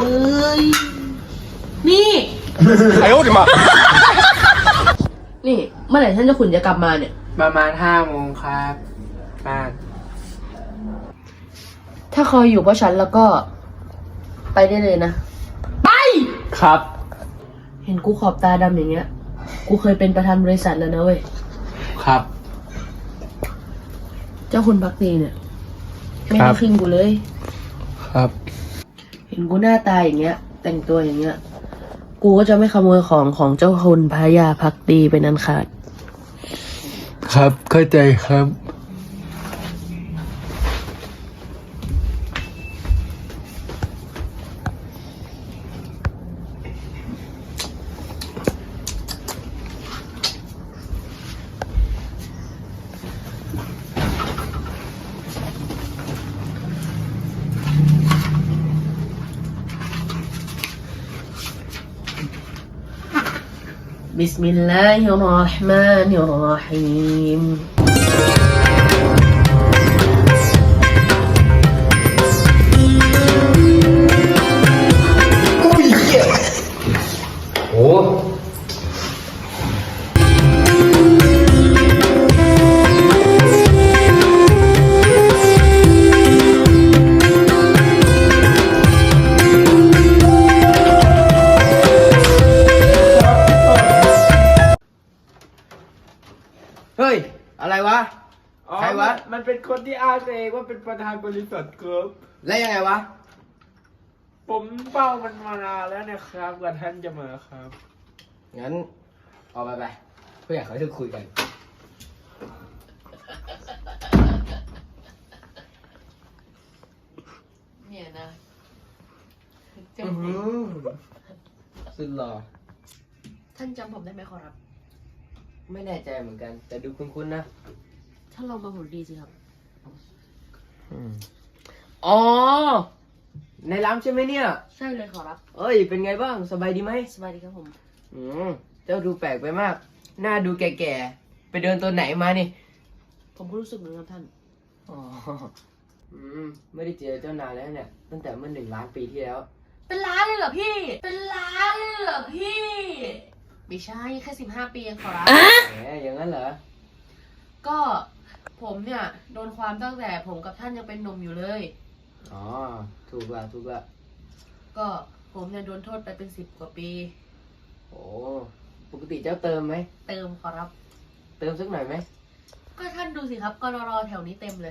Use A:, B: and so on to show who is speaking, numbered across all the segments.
A: เฮ้ยนี่
B: 哎呦我的妈！
A: นี่เมื่อไหร่ท่านเจ้าขุนจะกลับมาเนี่ย
C: ประมาณ5 โมงครับบ้าน
A: ถ้าคอยอยู่เพราะฉันแล้วก็ไปได้เลยนะ ไป
C: ครับ
A: เห็นกูขอบตาดำอย่างเงี้ย กูเคยเป็นประธานบริษัทแล้วนะเว้ย
C: ครับ
A: เจ้าคุณพักดีเนี่ย ไม่
C: ครั
A: ได้
C: บ
A: ครึ่งกูเลย
C: ครับ
A: เห็นกูหน้าตาอย่างเงี้ย แต่งตัวอย่างเงี้ย กูก็จะไม่ขโมยของเจ้าคุณพระยาพักดีเป็นอันขาด
C: ครับเข้าใจครับ
A: بسم الله الرحمن الرحيم
C: โอ้
D: เฮ้ย อะไรวะ
C: อ๋อ
D: ใครวะ
C: มันเป็นคนที่อ้างตัวเองว่าเป็นประธานบริษัทครับ
D: แล้วยังไงวะ
C: ผมเป้ามันมานานแล้วนะครับกว่าท่านจะมาครับ
D: งั้นออกไปเพื่อนเขาจะคุยกัน
A: เนี่ยนะ
D: สุดหล่อ
A: ท่านจำผมได้ไหมขอรับ
D: ไม่แน่ใจเหมือนกัน แต่ดูคุ้นๆนะ
A: ท่านลองมาผมดีสิครับ
D: อ๋อ ในร้านใช่ไหมเนี่ย
A: ใช่เลยขอรับ
D: เอ้ย เป็นไงบ้าง สบายดีไหม
A: สบายดีครับผม
D: เจ้าดูแปลกไปมาก หน้าดูแก่ๆ ไปเดินตัวไหนมานี่
A: ผมก็รู้สึกเหมือนกับท่าน
D: อ๋อ ไม่ได้เจอเจ้านานแล้วเนี่ย ตั้งแต่เมื่อ1 ล้านปีที่แล้ว
A: เป็นล้านเลยเหรอพี่ เป็นล้านเลยเหรอพี่ ไม่ใช่แค่15 ปีเองขอรับ
D: แหม อย่างนั้นเหรอ
A: ก็ผมเนี่ยโดนความตั้งแต่ผมกับท่านยังเป็นหนุ่มอยู่เลย
D: อ๋อ ถูกละ
A: ก็ผมเนี่ยโดนโทษไปเป็น10 กว่าปี
D: โอ้ ปกติเจ้าเติมไหม
A: เติมขอรับ
D: เติมสักหน่อยไหม
A: ก็ท่านดูสิครับกรแถวนี้เต็มเลย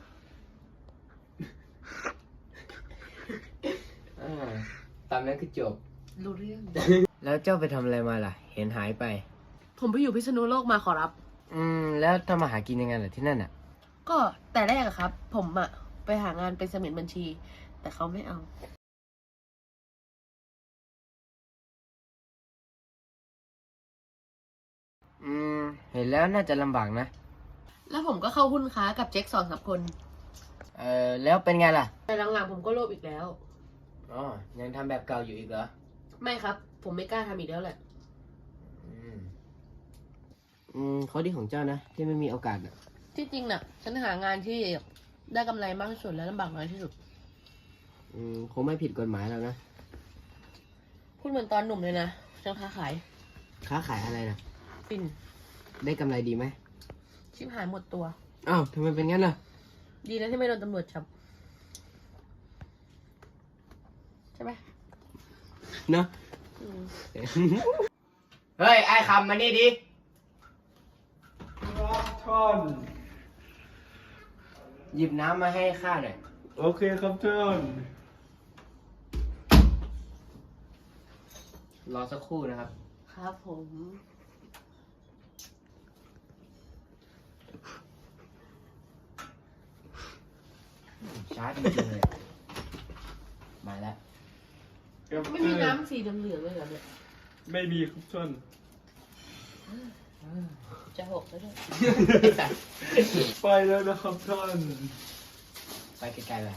D: ตามนั้นคือจบ
A: รู้เรื่อง
D: แล้วเจ้าไปทำอะไรมาล่ะ เห็นหายไป
A: ผมไปอยู่พิษณุโลกมาขอรับ
D: แล้วทำมาหากินยังไงล่ะที่นั่นอ่ะ
A: ก็แต่แรกอะครับ ผมอะไปหางานเป็นเสมียนบัญชี แต่เขาไม่เอา
D: เห็นแล้วน่าจะลำบากนะ
A: แล้วผมก็เข้าหุ้นค้ากับเจ๊ก2-3 คน
D: แล้วเป็นไงล่ะ
A: แต่หลังๆผมก็โลภอีกแล้ว
D: อ๋อ ยังทำแบบเก่าอยู่อีกเหรอ
A: ไม่ครับ ผมไม่กล้าทำอีกแล้วแหละ
D: ข้อดีของเจ้านะ ที่ไม่มีโอกาสอ่ะ
A: ที่จริงน่ะ ฉันหางานที่ได้กำไรมากที่สุดและลำบากน้อยที่สุด
D: คงไม่ผิดกฎหมายแล้วนะ
A: พูดเหมือนตอนหนุ่มเลยนะฉันค้าขาย
D: ค้าขายอะไรนะ
A: ปิ่น
D: ได้กำไรดีไหม
A: ชิบหายหมดตัว
D: อ้าวทำไมเป็นงั้นล่ะ
A: ดีนะที่ไม่โดนตำรวจจับ ใช่ไหม
D: เนอะ
A: อืม
D: เฮ้ย ไอ้คำมานี่ดิ
C: ท่าน
D: หยิบน้ำมาให้ข้าหน่อย
C: โอเคครับท่าน
D: รอสักครู่นะครับ
A: ครับผม
D: ช้าจริงๆเลย มาแล้ว
A: ไม่มีน้ำสีเหลืองๆเลยเหรอเนี่ย
C: ไม่มีครับท่าน
A: จะหกแล้วด้วย
C: ไปแล้วนะครับท่าน
D: ไปไกลๆเลย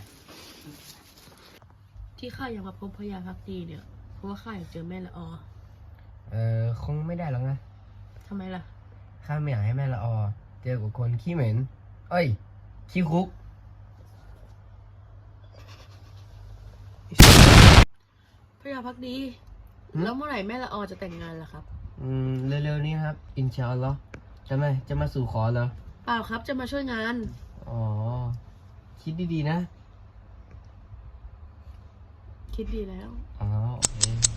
A: ที่ข้ายังมาพบพญาพักดีเนี่ย เพราะว่าข้าอยากเจอแม่ละออ
D: คงไม่ได้หรอกนะ
A: ทำไมล่ะ
D: ข้าไม่อยากให้แม่ละออ เจอกับคนขี้เหม็น เอ้ย ขี้คุก
A: พระยาพักดี แล้วเมื่อไหร่แม่ละออจะแต่งงานล่ะครับ
D: เร็วๆนี้ครับ อินชาอัลลอฮ์จะมาสู่ขอเหรอ
A: เปล่าครับจะมาช่วยงาน
D: อ๋อ คิดดีๆนะ
A: คิดดีแล้ว
D: อ๋อ โอเค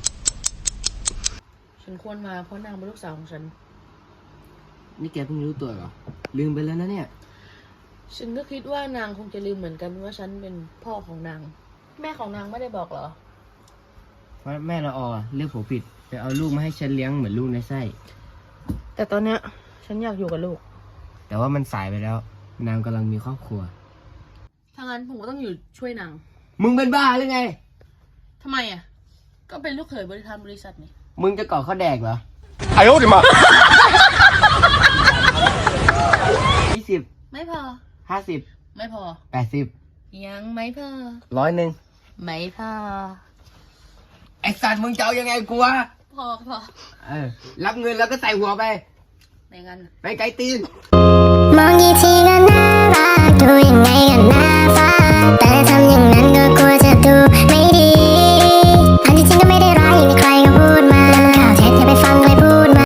A: ฉันควรมาเพราะนางเป็นลูกสาวของฉัน
D: นี่แกเพิ่งรู้ตัวเหรอ ลืมไปแล้วนะเนี่ย
A: ฉันก็คิดว่านางคงจะลืมเหมือนกันว่าฉันเป็นพ่อของนาง แม่ของนางไม่ได้บอกเหรอ
D: เพราะแม่ละออเลือกผมผิดไปเอาลูกมาให้ฉันเลี้ยงเหมือนลูกในไส้
A: แต่ตอนเนี้ยฉันอยากอยู่กับลูก
D: แต่ว่ามันสายไปแล้ว นางกำลังมีครอบครัว
A: ถ้างั้นผมก็ต้องอยู่ช่วยนาง
D: มึงเป็นบ้าหรือไง
A: ทำไมอ่ะ ก็เป็นลูกเขยบริษัทนี่
D: มึงจะก่อข้าวแดกเหรอ
B: 哎呦我的妈！
D: 20
A: ไม่พอ
D: 50
A: ไม่พอ
D: 80
A: ยังไม่พอ
D: 100
A: ไม่พอ
D: ไอ้สัตว์มึงจะเอายังไงกูวะ
A: พอ
D: รับเงินแล้วก็ใส่หัวไป
A: ในงั้น
D: ไปไกลตีน
E: มองกี่ทีก็น่ารักดูยังไงก็น่าฟังแต่ทำอย่างนั้นก็กลัวจะดูไม่ดีอันที่จริงก็ไม่ได้ร้ายอย่างที่ใครก็พูดมาข่าวเท็จอย่าไปฟังใครพูดมา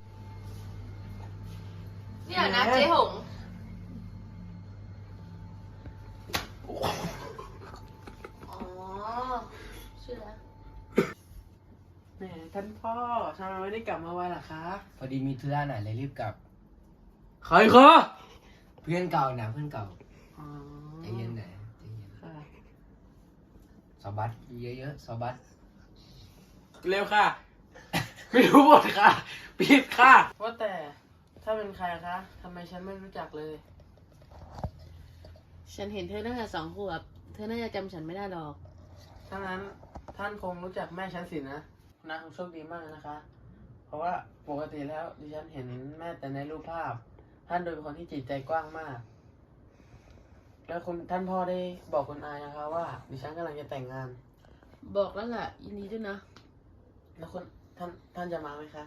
A: เนี่ยนะเจ๊หง อ๋อชื่อแล้ว
C: แหมท่านพ่อทำไมไม่ได้กลับมาไวล่ะคะ
D: พอดีมีธุระหน่อยเลยรีบกลับ
C: ใครคะ
D: เพื่อนเก่านะเพื่อนเก่า
C: อ๋อ
D: ใจเย็นหน่อยใจเย็น
C: ค่ะ
D: สอบัสเยอะๆสอบัส
C: เร็วค่ะ ไม่รู้หมดค่ะปิดค่ะว่าแต่ถ้าเป็นใครคะทำไมฉันไม่รู้จักเลย
A: ฉันเห็นเธอตั้งแต่2 ขวบ เธอน่าจะจำฉันไม่ได้หรอก
C: ถ้างั้นท่านคงรู้จักแม่ฉันสินะนางคงโชคดีมากเลยนะคะ เพราะว่าปกติแล้วดิฉันเห็นแม่แต่ในรูปภาพ ท่านดูเป็นคนที่จิตใจกว้างมาก แล้วคุณท่านพ่อได้บอกคุณอานะคะว่าดิฉันกำลังจะแต่งงาน
A: บอกแล้วแหละยินดีด้วยนะ
C: แล้วคุณท่านจะมาไหมคะ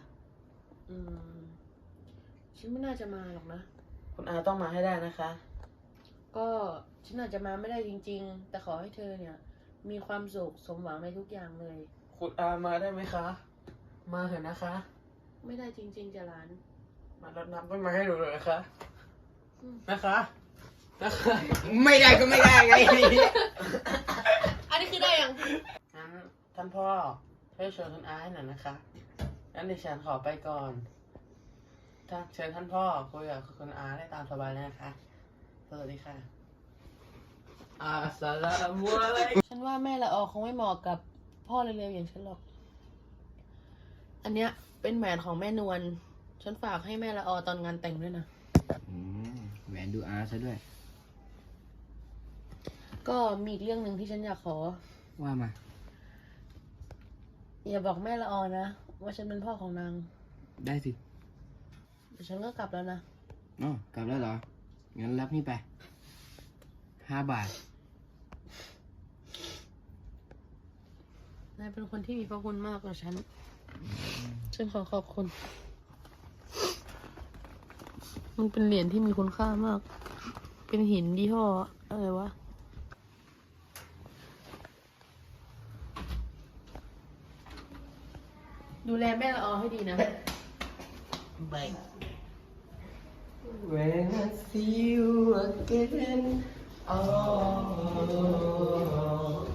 A: ฉันไม่น่าจะมาหรอกนะ
C: คุณอาต้องมาให้ได้นะคะ
A: ก็ฉันอาจจะมาไม่ได้จริงๆ แต่ขอให้เธอเนี่ย มีความสุขสมหวังในทุกอย่างเลย
C: คุณอามาได้ไหมคะ มาเถอะนะคะ
A: ไม่ได้จริงๆจะหลาน
C: มารดน้ำต้นไม้ให้ดูเลยนะคะนะคะนะคะ
D: ไม่ได้ก็ไม่ได้ไง
A: อันนี้คือได้ยัง
C: งั้นท่านพ่อช่วยเชิญคุณอาให้หน่อยนะคะงั้นดิฉันขอไปก่อนถ้าเชิญท่านพ่อคุยกับคุณอาได้ตามสบายเลยนะคะสวัสดีค่ะอัสสลามุอะลัยกุม
A: ฉันว่าแม่ละออคงไม่เหมาะกับพ่อเร็วๆอย่างฉันหรอก อันเนี้ยเป็นแหวนของแม่นวล ฉันฝากให้แม่ละออตอนงานแต่งด้วยนะ
D: แหวนดูอาร์ซะด้วย
A: ก็มีอีกเรื่องหนึ่งที่ฉันอยากขอ
D: ว่ามา
A: อย่าบอกแม่ละออนะว่าฉันเป็นพ่อของนาง
D: ได้สิ
A: เดี๋ยวฉันก็กลับแล้วนะ
D: อ๋อกลับแล้วเหรอ งั้นรับนี่ไป 5 บาท
A: นายเป็นคนที่มีพระคุณมากกว่าฉัน ฉันขอขอบคุณ มันเป็นเหรียญที่มีคุณค่ามาก เป็นหินยี่ห้ออะไรวะ ดูแลแม่ละออให้ดีนะ บาย
D: When I see you again, oh.